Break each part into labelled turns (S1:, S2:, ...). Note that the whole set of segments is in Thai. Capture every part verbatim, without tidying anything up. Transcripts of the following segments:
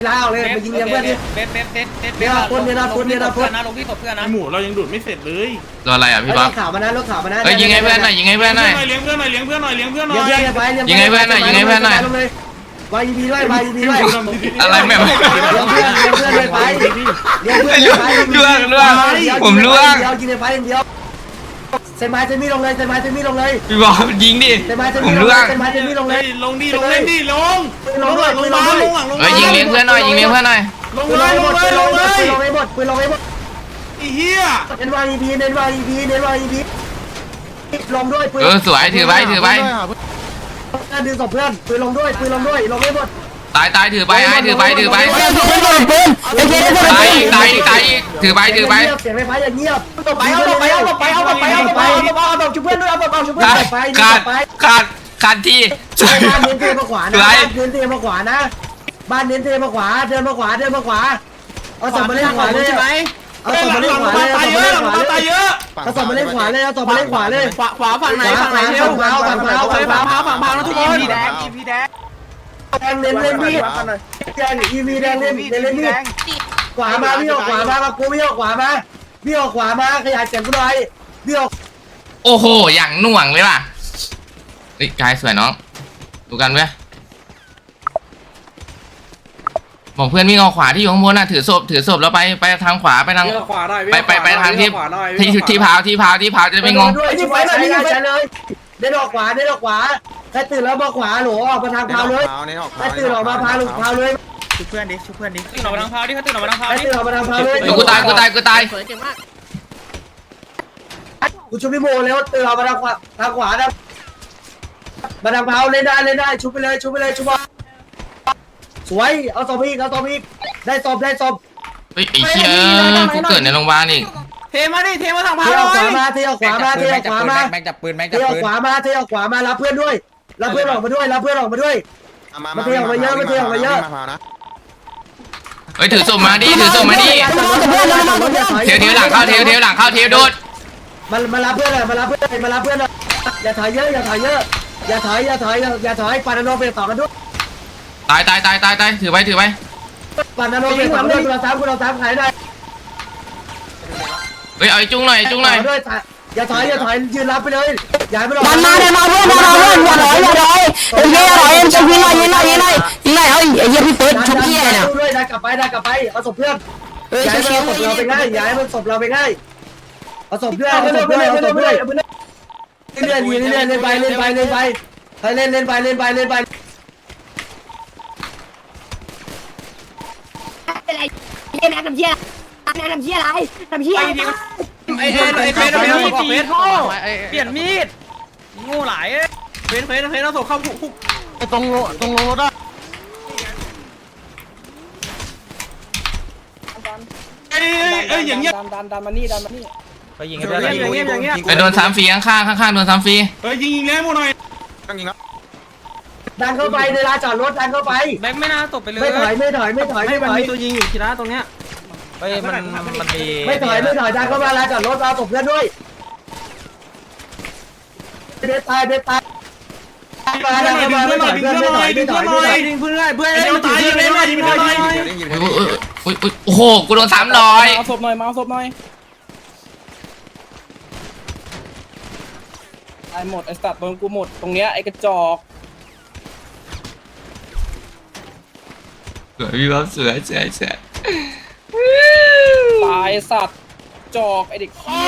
S1: ลาออกเลยไปยิงเลี้ยงเพื่อนดิเบสเบสเบสเบสเบสคนเนี่ยนะคนเนี่ยนะเพื่อนนะลงที่ศพเพื่อนนะ
S2: หมูเรายังดูดไม่เสร็จเลย
S3: รออะไรอ่ะพี่บ๊อบ
S1: รถขาวมานะรถขาวมานะ
S3: เฮ้ยยิงให้เพื่อนหน่อยยิงให้เพื่อนหน่อย
S2: เลี้ยงเพื่อนหน่อยเลี้ยงเพื่อนหน่อยเลี้ยงเพื่อนหน่อย
S1: เลี้ยงเพื่อนไป
S3: ยิงให้เพื่อนหน่อยยิงให้เพื่อนหน่อยว
S1: ายพีด้วยวายพีด้วย
S3: อะไรแม่
S1: เลี้ยงเพื่อนเลี้ยงเพื่อนเลยไปเลี้ยงเพื่อนเลยไป
S3: ล่วงล่วงผมล่วง
S1: เดียวกินไปอย่างเดียวเซนไม้เซนมี่ลงเลยเซนไม้เซนมี่ลงเลย
S3: พี่บ๊อบยิงดิ
S1: เซนไม้เซนมี่ลงเลยเซนไม้เซนมี่ลงเลย
S2: ลงดิลงเล่นดิลง
S1: ลงด้วยลงมาลงหลังลง
S3: เฮ้ยยิงเลี้ยงเพื่อนหน่อยยิงเลี้ยงเพื่อนหน่อย
S2: ลงเลยลงเลยลงเลย
S1: ลงให้หมดปืนลงให้หมด
S2: ไอ้เหี้ย
S1: เน้นวางอีพีเน้นวางอีพีเน้นวางอีพีลงด้วยปืน
S3: เออสวยถือไว้ถือไว้
S1: ดึงศพเพื่อนปืนลงด้วยปืนลงด้วยลงให้หมด
S3: ตายตายถือไปไอ้ถือไปถือไปตายอีกตายอีกตายอีกถือไปถือไป
S1: เสียงไฟฟ้าอย่างเงียบต่อไปเอาต่อไปเอาต่อไปเอาต่อไปเอาต่อไปเอาต่อไปเอาต่อชุบเพื่อนด้วยเอาต่อไปชุบเพื่อนต่อไป
S3: ขาดขาดขาดที่
S1: บ้านเน้นเทมาขวานะบ้านเน้นเทมาขวานะบ้านเน้นเทมาขวาเดินมาขวาเดินมาขวาเอาศพมาเล่นขวาเลยใช่ไหมเอาศพมาเล่นขวาเลยเอาศพมาเล่นขวาเลยเอาศพมาเล่นขวาเลยเอาศพมาเล่นขวาเลย
S4: ขวาขวาฝั่งไหนฝั่งไหนเที่ยวฝั่งเท้าฝั่งเท้าฝั่งเท้าฝั่งเท้าแล้วทุกคน
S1: แดงอีพีแดงแดงเล่นเล่นมีดแดงอีวีแดงเล่นเล่นเล่นมีดขวามาพี่ออกขวามามากูพี่ออกขวามาพี่ออกขวามาขยายเสียงกูหน่อยพี่ออก
S3: โอ้โหอย่างหน่วงเลยว่ะเฮ้ยกายสวยน้องดูกันเว้ยบอกเพื่อนวิ่งเอาขวาที่อยู่ข้างบนน่ะถือศพถือศพแล้วไปไปทางขวาไปทางไปไปไปทางที่ที่ที่พาวที่พาวที่พาวจะไม่งง
S1: ด้วยที่ไฟหน่อยที่ไฟเลยเดินออกขวาเดินออกขวาถ้าตื่นแล้วมาขวาหนูออกมาทางพาวเลยถ้าตื่นออกมาพาวลูกพาวเลย
S4: ชุบเพื่อนดิชุบเพื่อนดิ
S2: ตื่นออกมาทางพาวดิเขาตื่นออกมาทางพาวดิ
S1: ตื่นออกมาทางพาวเลย
S3: กูตายกูตายกูตาย
S1: กูชุบพี่โมแล้วตื่นออกมาทางขวาทางขวานะมาทางพาวเล่นได้เล่นได้ชุบไปเลยชุบไปเลยชุบมาสวยเอาศพอีกเอาศพอีกได้ศพได้ศพ
S3: เฮ้ยไอ้เชี่ยกูเกิดในโรงพยาบาลอีก
S4: เทมาดิเทมาทางพาว
S1: เทออกขวามาเทออกขวามาเทออกขวามา
S4: แม็กจับปืนแม็ก
S1: เทออกขวามาเทออกขวามารับเพื่อนด้วยรับเพื่อนออกมาด้วยรับเพื่อนออกมาด้วยมาเทออกมาเยอะมาเทออกมาเยอะ
S3: เฮ้ยถือศพมาดิถือศพมาดิเทียวเทียวหลังเข้าเทียวเทียวหลังเข้าเทียวโดด
S1: มามารับเพื่อนเลยมารับเพื่อนมารับเพื่อนเลยอย่าถอยเยอะอย่าถอยเยอะอย่าถอยอย่าถอยอย่าถอยปานนโนไปต่อกันด้วย
S3: ตายตายตายตายตายถือไว้ถือไว้
S1: ปานนโนไปต่อกันด้วยเราสามคนเราสามขายได้
S3: เฮ้ยเอาไอ้จุ้งหน่อยจุ้งหน่อย
S1: อย่าถอยอย่าถอยยืนรับไปเลยอย่าไปหลอก
S5: มันมาเดี๋ยวมาเพื่อนมาเพื่อนอย่าถอยอย่าถอยเฮ้ยอย่าถอยจะยิงหน่อยยิงหน่อยยิงหน่อยยิงหน่อยเฮ้ยไอ้เหี้ยพี่เฟิร์สชุบเหี้ยเนี่ย
S1: ด้วยได้กลับไปได้กลับไปเอาศพเพื่อนย้ายมันศพเราไปง่ายย้ายมันศพเราไปง่ายเอาศพเพื่อนเอาศพเพื่อนเอาศพเพื่อนเล่นเล่นเล่นเล่นไปเล่นไปเล่นไปให้เล่นเล่นไปเล่นไปเล่นไป
S5: เป็นไรเล่นทำเหี้ยทำเหี้ยอะไรทำเหี้ย
S4: ไอ้ไอ้ไอ้เฟสเฟสเฟสโง่เปลี่ยนมีดโง่หลายเฟสเฟสเฟสเราส่งเข้าคุก
S2: ตรงตรงรถอ่ะเอ้ยเอ้ยอย่างเงี้ย
S4: ดันดันดันมานี่ดันมานี่ไปยิงให้เพื่อน
S3: อย่างเงี้ยอย่างเงี้ยไปโดนสามฟรีข้างข้างข้างโดนสามฟรี
S2: เฮ้ยยิงยิงแล้วหมดหน่อยตั้งยิงแล้ว
S1: ดันเข้าไปในลานจอดรถดันเข้าไป
S4: แบงค์ไม่น่าตกไปเลย
S1: ไม่ถอยไม่ถอยไม่ถอยไม่ถอย
S4: มีตัวยิงอยู่ทีละตรงเนี้ยเฮ้ยมันมันมี
S1: ไม่ถอยไม่ถอยดันเข้ามาลานจอดรถเอาศพเพื่อนด้วยเด็ดตายเด็ดตายมาดันเข้ามาไม่ถอยเพื่อนไม่ถอยไม่ถอยไม่ถอย
S4: ยิงเพื่อนเพื่อนยิงตายยิงเลยยิงเลยยิงเลย
S3: โอ้โหกูโดนสามร้อย
S4: เอาศพหน่อยมาเอาศพหน่อยไอ้หมดไอ้สัตว์โดนกูหมดตรงเนี้ยไอ้กระจอก
S3: สวยพี่บ๊อบสวยสวยสวย
S4: ตายสัตว์จอกไอเด็กเหี้ย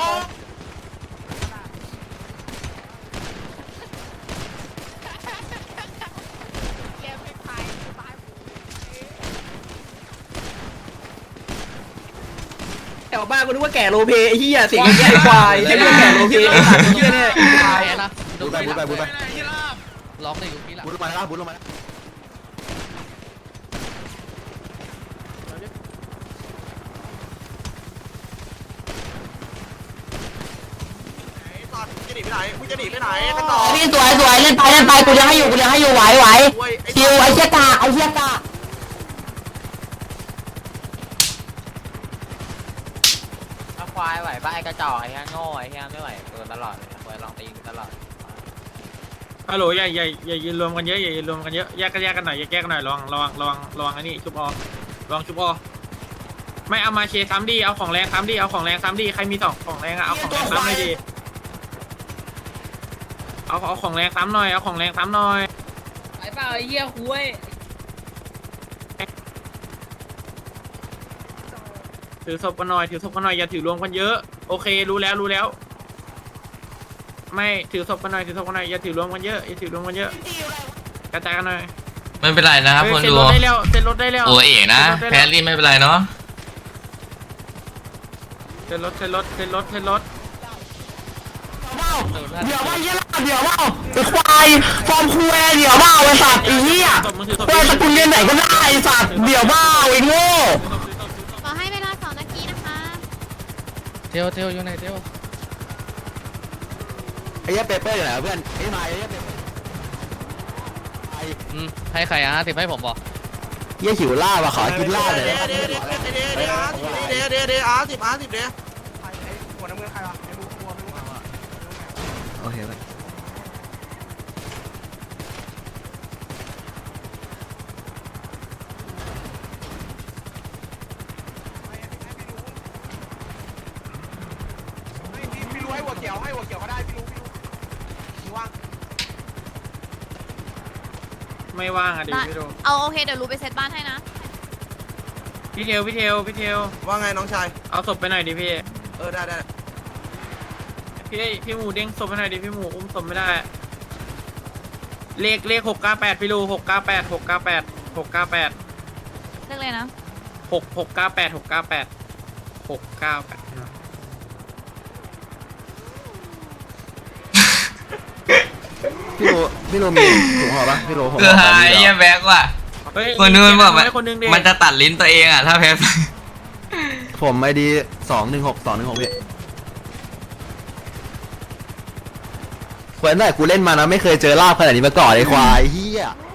S4: แถวบ้านกูนึกว่าแก่โลเพไอ้เหี้ยเสียงแก่ควายไอ้เหี้ยแก่โลเพไอ้สัตว์เหี้ยเนี่ยควายนะ
S2: บูไปบูไปบูไป
S4: ล็อกในยุคนี้ละ
S2: บูลงมาแล้วบูลงมาจะหนีไปไหนมึงจะหนีไปไหนกันต่อ
S5: พี่สวยสวยเล่นไปเล่นไปกูยังให้อยู่กูยังให้อยู่ไหวไหวคิวไอ้เชี่ยกาไอ้เชี่ยกา
S4: ควายไหวป่ะไอ้กระจอกไอ้เหี้ยโง่ไอ้เหี้ยไม่ไหวเกินตลอดเลยควายลองตีตลอดฮัลโหลอย่าอย่าอย่ายืนรวมกันเยอะอย่ายืนรวมกันเยอะแยกกันแยกกันหน่อยแยกแยกกันหน่อยระวังระวังระวังระวังไอ้นี่ชุบอระวังชุบอไม่เอามาเชซ้ำดีเอาของแรงซ้ำดีเอาของแรงซ้ำดีใครมีสองของแรงอะเอาของแรงซ้ำหน่อยดีเอาเอาของแรงซ้ำหน่อยเอาของแรงซ้ำหน่อย
S6: ไอ้เปล่าไอ้เหี้ยคุย
S4: ถือศพกันหน่อยถือศพกันหน่อยอย่าถือรวมกันเยอะโอเครู้แล้วรู้แล้วไม่ถือศพกันหน่อยถือศพกันหน่อยอย่าถือรวมกันเยอะอย่าถือรวมกันเยอะกระจายกันหน่อย
S3: ไม่เป็นไรนะครับคน
S4: เซ็น
S3: ดู
S4: รถได้แล้วเซ็นรถได้แล้ว
S3: โอเอ๋นะแพรรี่ไม่เป็นไรเนาะ
S4: เซ็นรถเซ็นรถเซ็นรถเซ็นรถ
S5: เดี๋ยวว่าเหี้ยเดี๋ยวว่าไอ้ควายฟอร์มคูแอเดี๋ยวว่าไอ้สัตว์ไอ้เหี้ยควายตระกูลเรียนไหนก็ได้ไอ้สัตว์เดี๋ยวว่าไอ้โง่
S7: ขอให้เวลาสองนาทีนะคะ
S6: เทวเทวอยู่ไหนเทว
S2: ไอ้เหี้ยเปเปอร์อยู่ไหนเพื่อนไอ้มาไอ้เหี้ยเปเปอร์
S6: อืมให้ใครอ่ะสิบให้ผมบอก
S2: เหี้ยหิวล่าว่ะขอกินล่าเลย
S8: เดี๋ยวเดี๋ยวเดี๋ยวเดี๋ยวเดี๋ยวเดี๋ยวเดี๋ยวเดี๋ยวอาร์สิบอาร์สิบเดี๋ยว
S2: โอเคไป
S8: พี่รู้ให้หัวเขียวให้หัวเขียวก็ได้พี่รู้พี่รู้พี่ว่าง
S4: ไม่ว่างอ่ะดิพี่ดู
S7: เอาโอเคเดี๋ยวรู้ไปเซตบ้านให้นะ
S4: พี่เทลพี่เทลพี่เทล
S8: ว่าไงน้องชาย
S4: เอาศพไปหน่อยดิพี่
S8: เออได้ได้
S4: พี่พี่หมูเด้งศพไปหน่อยดิพี่หมูอุ้มศพไม่ได้เลขเลขหกเก้าแปดพี่รูหกเก้าแปดหกเก้าแปดหกเก้าแปด
S7: เลือกเลยนะ
S4: หกหกเก้าแปดหกเก้าแปดหกเก้าแปด
S2: พี่โรพี่โรมีถุงห่อปะพี่โรผม
S3: คือหายเยี่ยแบกว่ะ
S4: เฮ้ย
S3: คนนู้นบอกว่า
S4: คนนึงดิ
S3: มันจะตัดลิ้นตัวเองอ่ะถ้าแพ้
S2: ผมไอดีสองหนึ่งหกสองหนึ่งหกพี่เหมือนแต่กูเล่นมานะไม่เคยเจอลาบขนาดนี้มาก่อนไอ้ควายเฮีย